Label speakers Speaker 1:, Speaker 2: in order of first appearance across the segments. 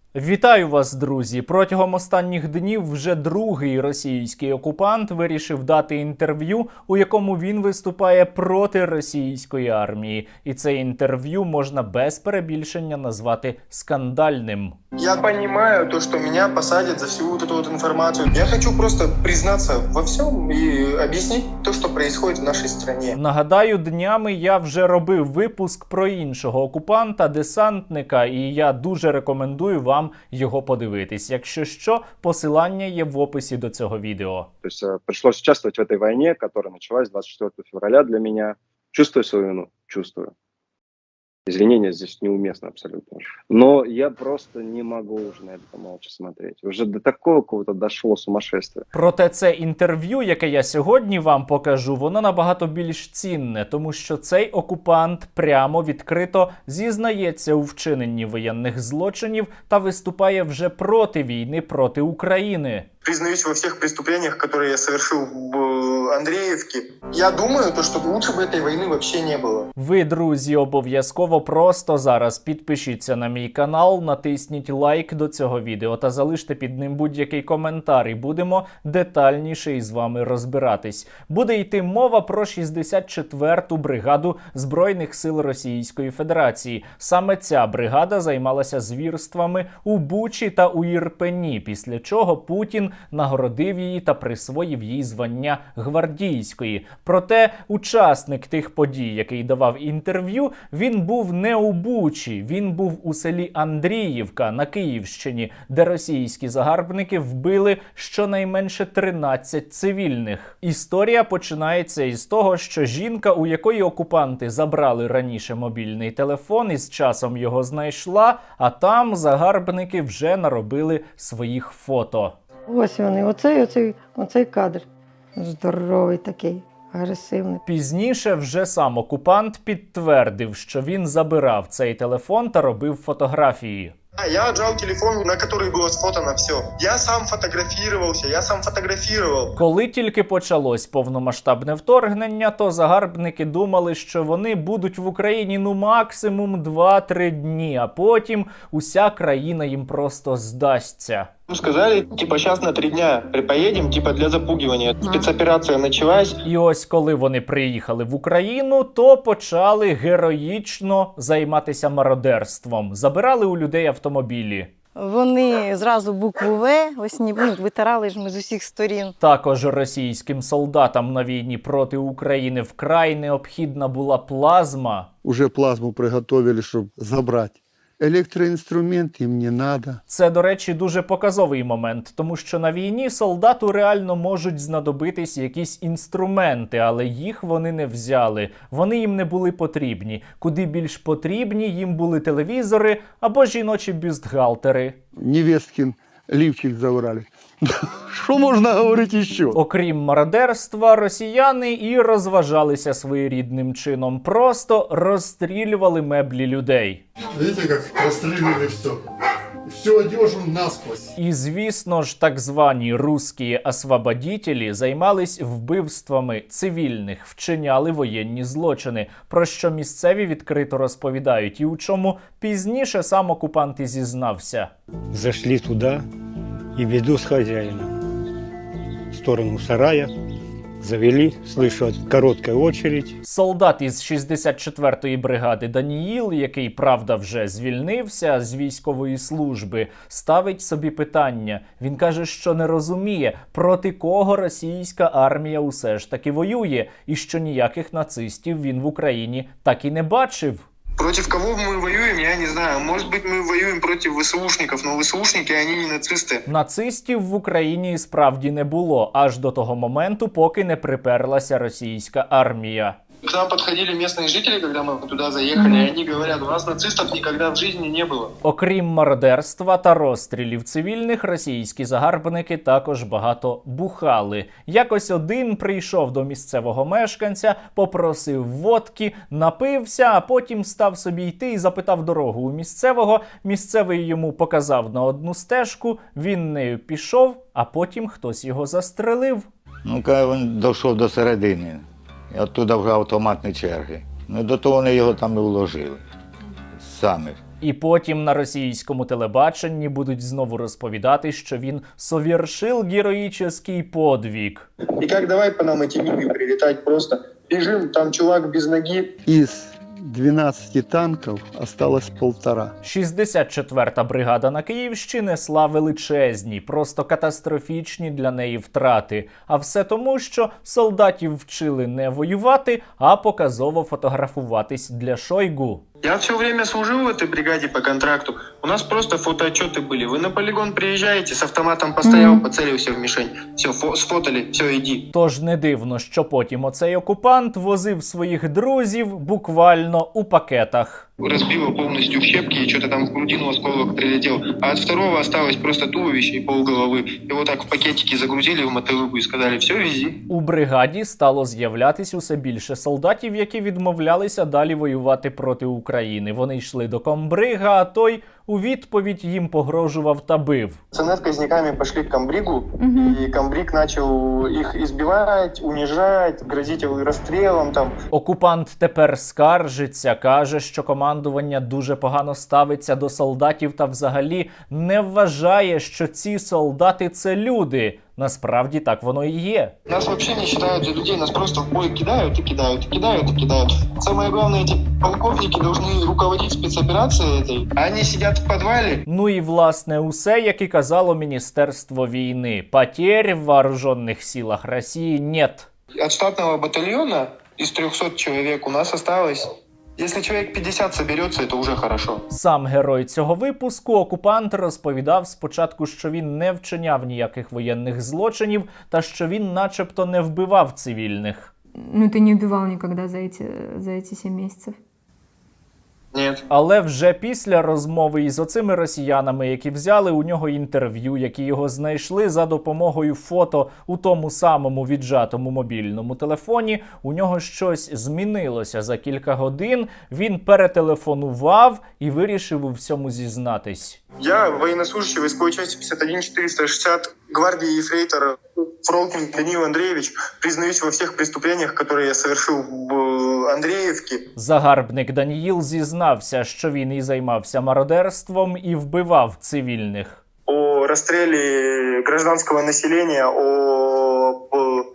Speaker 1: Вітаю вас, друзі! Протягом останніх днів вже другий російський окупант вирішив дати інтерв'ю, у якому він виступає проти російської армії. І це інтерв'ю можна без перебільшення назвати скандальним.
Speaker 2: Я понимаю то, что меня посадят за всю вот эту вот информацию. Я хочу просто признаться во всем и объяснить то, что происходит в нашей стране.
Speaker 1: Нагадаю, днями я вже робив випуск про іншого окупанта, десантника, і я дуже рекомендую вам його подивитись. Якщо що, посилання є в описі до цього відео.
Speaker 3: То есть пришлось участвовать в этой войне, которая началась 24 февраля для меня. Чувствую свою вину? Чувствую. Извинения здесь неуместно абсолютно. Но я просто не могу уже на это молча смотреть. Уже до такого какого-то дошло сумасшествия.
Speaker 1: Проте це інтерв'ю, яке я сьогодні вам покажу, воно набагато більш цінне, тому що цей окупант прямо відкрито зізнається у вчиненні воєнних злочинів та виступає вже проти війни проти України.
Speaker 2: Признаюсь во всех преступлениях, которые я совершил в Андреевке. Я думаю, то, что лучше бы этой войны вообще не было.
Speaker 1: Ви, друзі, обов'язково просто зараз підпишіться на мій канал, натисніть лайк до цього відео та залиште під ним будь-який коментар, і будемо детальніше із вами розбиратись. Буде йти мова про 64-ту бригаду Збройних сил Російської Федерації. Саме ця бригада займалася звірствами у Бучі та у Ірпені, після чого Путін нагородив її та присвоїв їй звання гвардійської. Проте учасник тих подій, який давав інтерв'ю, він був не у Бучі, він був у селі Андріївка на Київщині, де російські загарбники вбили щонайменше 13 цивільних. Історія починається із того, що жінка, у якої окупанти забрали раніше мобільний телефон, із часом його знайшла, а там загарбники вже наробили своїх фото.
Speaker 4: Ось вони, оцей кадр. Здоровий такий, агресивний.
Speaker 1: Пізніше вже сам окупант підтвердив, що він забирав цей телефон та робив фотографії.
Speaker 2: Я отжал телефон, на который было сфотано все. Я сам фотографировался, я сам фотографировал.
Speaker 1: Коли тільки почалось повномасштабне вторгнення, то загарбники думали, що вони будуть в Україні максимум 2-3 дні, а потім уся країна їм просто здасться.
Speaker 2: Сказали, сейчас на 3 дня поедем, для запугивания. Спецоперация началась.
Speaker 1: І ось коли вони приїхали в Україну, то почали героїчно займатися мародерством. Забирали у людей автомобілі.
Speaker 5: Вони зразу букву В, витирали ж ми з усіх сторін.
Speaker 1: Також російським солдатам на війні проти України вкрай необхідна була плазма.
Speaker 6: Уже плазму приготовили, щоб забрати. Електроінструмент їм не надо.
Speaker 1: Це, до речі, дуже показовий момент, тому що на війні солдату реально можуть знадобитись якісь інструменти, але їх вони не взяли. Вони їм не були потрібні. Куди більш потрібні їм були телевізори або жіночі бюстгальтери.
Speaker 6: Невесткин лівчик забрали. Що можна говорити ще?
Speaker 1: Окрім мародерства, росіяни і розважалися своєрідним чином. Просто розстрілювали меблі людей.
Speaker 6: Видите, як розстрілювали все. Всю одежу насквозь.
Speaker 1: І, звісно ж, так звані русські освободітелі займались вбивствами цивільних, вчиняли воєнні злочини, про що місцеві відкрито розповідають, і у чому пізніше сам окупант і зізнався.
Speaker 7: Зашли туда и веду с хозяина в сторону сарая. Завели, слышу, короткая очередь.
Speaker 1: Солдат із 64-ї бригади Даніїл, який, правда, вже звільнився з військової служби, ставить собі питання. Він каже, що не розуміє, проти кого російська армія усе ж таки воює, і що ніяких нацистів він в Україні так і не бачив.
Speaker 2: Против кого мы воюем, я не знаю. Может быть, мы воюем против ВСУшников, но ВСУшники, они не нацисты.
Speaker 1: Нацистів в Україні справді не було, аж до того моменту, поки не приперлася російська армія.
Speaker 2: К нам подходили местные жители, когда мы туда заехали, и они говорят, у нас нацистов никогда в жизни не было.
Speaker 1: Окрім мародерства та розстрілів цивільних, російські загарбники також багато бухали. Якось один прийшов до місцевого мешканця, попросив водки, напився, а потім став собі йти і запитав дорогу у місцевого. Місцевий йому показав на одну стежку, він нею пішов, а потім хтось його застрелив.
Speaker 8: Ну, коли він дійшов до середини, і оттуда вже автоматні черги. Ну, до того вони його там і вложили. Самі.
Speaker 1: І потім на російському телебаченні будуть знову розповідати, що він совершил героїчний подвиг.
Speaker 2: И как давай по нам эти миги прилетать просто. Бежим, там чувак без ноги.
Speaker 6: Из 12 танков осталось 1,5.
Speaker 1: 64-та бригада на Київщині несла величезні, просто катастрофічні для неї втрати. А все тому, що солдатів вчили не воювати, а показово фотографуватись для Шойгу.
Speaker 2: Я все время служил в этой бригаде по контракту. У нас просто фотоотчеты были. Вы на полигон приезжаете, с автоматом постоял, поцелился в мишень. Все, сфотали, все, иди.
Speaker 1: Тож не дивно, що потім оцей окупант возив своїх друзів буквально у пакетах.
Speaker 2: Разбило полностью в щепки, и что-то там в грудину осколок прилетел. А от второго осталось просто туловище и полголовы. Его так в пакетики загрузили в мотовыку и сказали, все, вези.
Speaker 1: У бригаді стало з'являтись усе більше солдатів, які відмовлялися далі воювати проти України. Вони йшли до комбрига, а той у відповідь їм погрожував та бив.
Speaker 2: Пацаны с казняками пошли к комбригу, и комбриг начал их избивать, унижать, грозить расстрелом там.
Speaker 1: Окупант тепер скаржиться, каже, що командування дуже погано ставиться до солдатів та взагалі не вважає, що ці солдати – це люди. Насправді так воно і є.
Speaker 2: Нас вообще не считают за людей, нас просто в бой кидают и кидают, и кидают, и кидают. Самое главное, эти полковники должны руководить спецоперацией этой, а они сидят в подвале.
Speaker 1: Ну і власне усе, як і казало Міністерство війни. Потерь в вооруженных силах Росії нет.
Speaker 2: От штатного батальона из 300 человек у нас осталось. Если человек 50 соберется, это уже хорошо.
Speaker 1: Сам герой цього випуску, окупант, розповідав спочатку, що він не вчиняв ніяких воєнних злочинів та що він начебто не вбивав цивільних.
Speaker 9: Ну, ты не убивал никогда за эти 7 месяцев?
Speaker 2: Нет.
Speaker 1: Але вже після розмови із оцими росіянами, які взяли у нього інтерв'ю, які його знайшли за допомогою фото у тому самому віджатому мобільному телефоні, у нього щось змінилося за кілька годин, він перетелефонував і вирішив у всьому зізнатись.
Speaker 2: Я военнослужащий войсковой части 51-460 гвардии ефрейтор Фролкин Даниил Андреевич. Признаюсь во всех преступлениях, которые я совершил в Андреевке.
Speaker 1: Загарбник Даніїл зізнався, що він і займався мародерством, і вбивав цивільних.
Speaker 2: О расстреле гражданского населения, об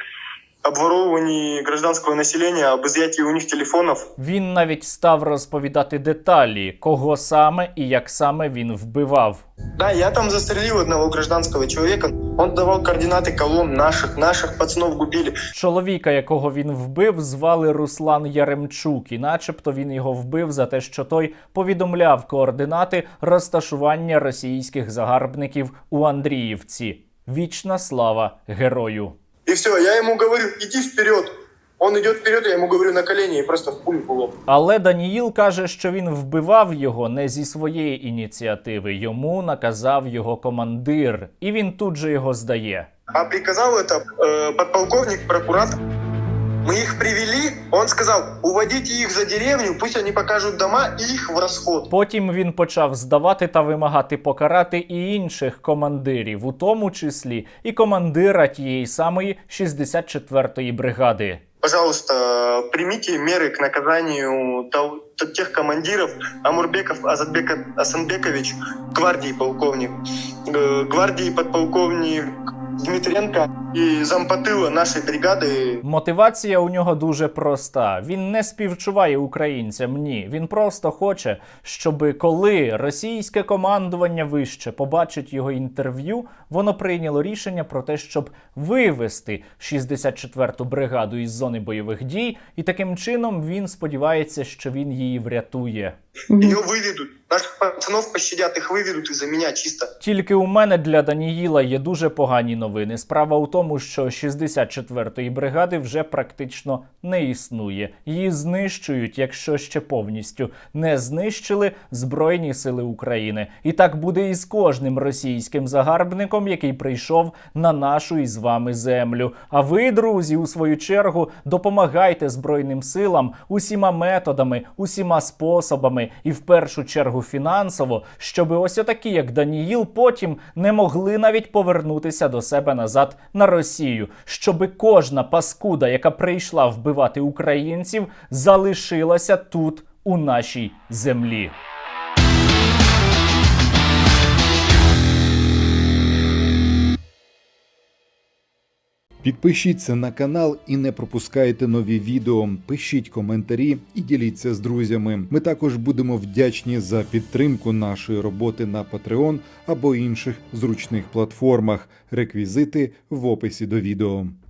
Speaker 2: обворовывании гражданского населения, об изъятии у них телефонов.
Speaker 1: Він навіть став розповідати деталі, кого саме і як саме він вбивав.
Speaker 2: Да, я там застрелил одного гражданского человека. Он давал координаты колонн наших пацанов губили.
Speaker 1: Чоловіка, якого він вбив, звали Руслан Яремчук, і начебто він його вбив за те, що той повідомляв координати розташування російських загарбників у Андріївці. Вічна слава герою!
Speaker 2: И все, я ему говорю, иди вперед. Он идет вперед, я ему говорю на колени и просто в пулю в лоб.
Speaker 1: Але Даніїл каже, що він вбивав його не зі своєї ініціативи. Йому наказав його командир. І він тут же його здає.
Speaker 2: А приказал это подполковник, прокуратор. Мы их привели, он сказал, уводите их за деревню, пусть они покажут дома и их в расход.
Speaker 1: Потім він почав здавати та вимагати покарати і інших командирів, у тому числі і командира тієї самої 64-ї бригади.
Speaker 2: Пожалуйста, примите меры к наказанию тех командиров. Амурбеков Азатбек Асанбекович, гвардии полковник, гвардии подполковник Дмитренко і зампотила нашої бригади.
Speaker 1: Мотивація у нього дуже проста. Він не співчуває українцям, ні. Він просто хоче, щоб коли російське командування вище побачить його інтерв'ю, воно прийняло рішення про те, щоб вивести 64-ту бригаду із зони бойових дій, і таким чином він сподівається, що він її врятує.
Speaker 2: Ее выведут. Наших пацанов пощадят, их выведут из-за меня чисто.
Speaker 1: Тільки у мене для Даніїла є дуже погані новини. Справа у тому, що 64-ї бригади вже практично не існує. Її знищують, якщо ще повністю не знищили Збройні сили України. І так буде і з кожним російським загарбником, який прийшов на нашу із вами землю. А ви, друзі, у свою чергу, допомагайте Збройним силам усіма методами, усіма способами і в першу чергу фінансово, щоб ось отакі, як Даніїл, потім не могли навіть повернутися до себе назад на Росію. Щоби кожна паскуда, яка прийшла вбивати українців, залишилася тут, у нашій землі.
Speaker 10: Підпишіться на канал і не пропускайте нові відео. Пишіть коментарі і діліться з друзями. Ми також будемо вдячні за підтримку нашої роботи на Patreon або інших зручних платформах. Реквізити в описі до відео.